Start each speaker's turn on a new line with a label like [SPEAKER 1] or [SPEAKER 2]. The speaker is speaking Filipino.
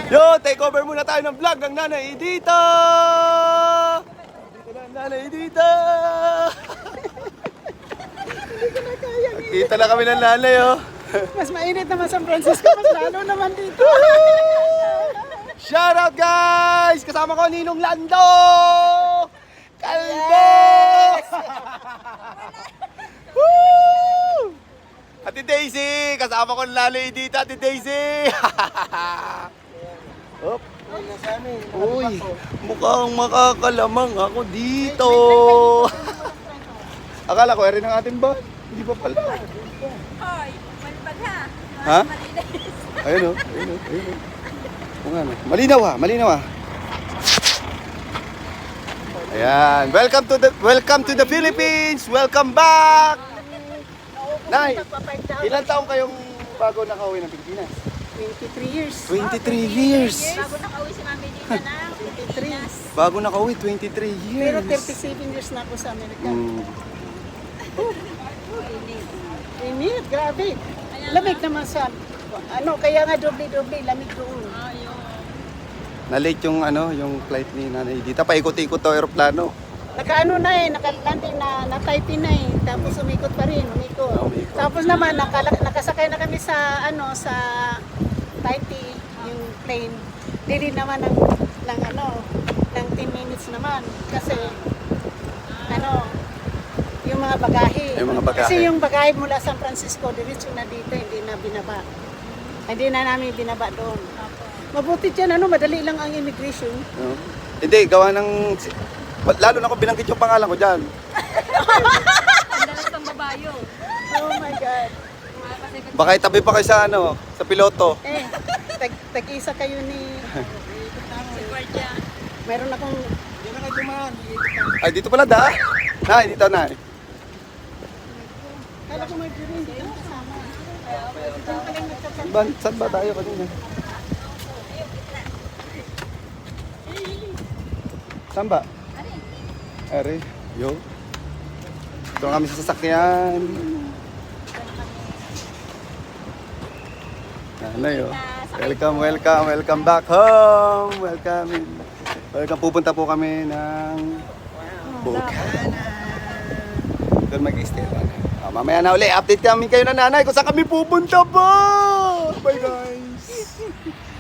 [SPEAKER 1] Yo, take over muna tayo ng vlog ng Nanay Edita! Dito na ang Nanay Edita! Kita na kami ng nanay, oh.
[SPEAKER 2] Mas mainit naman San Francisco, mas lalo naman dito.
[SPEAKER 1] Shout out, guys! Kasama ko Ninong Lando! Kalbo! Woo! Ate Daisy! Kasama ko ng Nanay Edita, Ate Daisy! Op. Uy, mukhang makakalamang ako dito. Akala ko, erin ang ating ba? Hindi pa pala.
[SPEAKER 3] Hoy, malibag ha.
[SPEAKER 1] Ha?
[SPEAKER 3] Malinis.
[SPEAKER 1] Ayun o, ayun o, ayun o. Kung ano. Malinaw ha, malinaw ha. Ayan, welcome to the Philippines. Welcome back. Nay, ilan taong kayong bago nakauwi ng Pilipinas?
[SPEAKER 2] 23 years.
[SPEAKER 1] 23 years.
[SPEAKER 3] Bago nakauwi si Mami dito ng Pilipinas.
[SPEAKER 1] Bago nakauwi, 23 years.
[SPEAKER 2] Pero 37 years na ako sa Amerika.
[SPEAKER 1] Mm.
[SPEAKER 2] Init, grabe. Lamig naman sa, kaya nga doble-doble, lamig doon.
[SPEAKER 1] Na-late yung yung flight ni Nanay Edita. Paikot-ikot to aeroplano.
[SPEAKER 2] Naka-ano na naka-landing na typing na tapos umikot pa rin, umikot.
[SPEAKER 1] Umikot.
[SPEAKER 2] Tapos naman, nakasakay na kami sa, sa Taipei, yung plane. Dili naman ng 10 minutes naman. Kasi, yung mga bagahe.
[SPEAKER 1] Yung mga bagahe.
[SPEAKER 2] Kasi yung bagahe mula San Francisco, diretso na dito, hindi na binaba. Hindi na namin binaba doon. Mabuti dyan, madali lang ang immigration.
[SPEAKER 1] No? Hindi, gawa ng... Lalo na kung binanggit yung pangalan ko dyan.
[SPEAKER 3] Ang dalas ng babayo.
[SPEAKER 2] Oh my God.
[SPEAKER 1] Baka itabi pa kayo sa piloto.
[SPEAKER 2] Tag-isa kayo ni...
[SPEAKER 3] Si Guardia.
[SPEAKER 2] Meron akong...
[SPEAKER 1] Ay, dito pala da. Nay, dito na.
[SPEAKER 2] Kala ko may drink dito kasama.
[SPEAKER 1] Saan ba tayo kanina? Saan ba? Are, yo. Ito na kami sa sasakyan. Nanay, oh. Welcome back home. Welcome. Pupunta po kami ng Bukana. Doon mag-stay lang. Mamaya na uli, update kami kayo na nanay kung saan kami pupunta po.